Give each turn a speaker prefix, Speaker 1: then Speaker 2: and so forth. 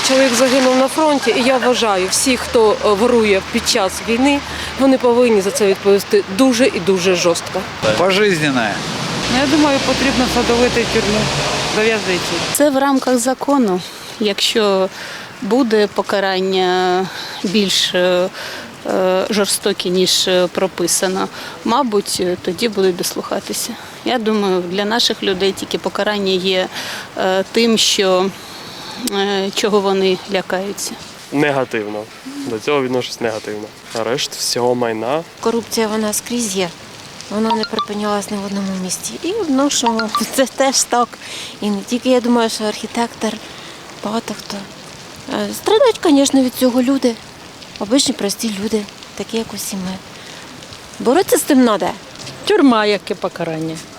Speaker 1: чоловік загинув на фронті, і я вважаю, всі, хто ворує під час війни, вони повинні за це відповісти дуже і дуже жорстко.
Speaker 2: Пожизненне.
Speaker 3: Я думаю, потрібно садовити тюрму до в'язниці.
Speaker 4: Це в рамках закону. Якщо буде покарання більш жорстокі, ніж прописано, мабуть, тоді будуть дослухатися. Я думаю, для наших людей тільки покарання є тим, чого вони лякаються.
Speaker 5: Негативно. До цього відношусь негативно. Арешт всього майна.
Speaker 6: Корупція вона скрізь є. Вона не припинялась ні в одному місті. І відношимо, це теж так. І не тільки, я думаю, що архітектор, багато хто. Страдають, звісно, від цього люди. Обичні прості люди, такі, як усі ми. Боротися з тим треба.
Speaker 7: Тюрма, яке покарання.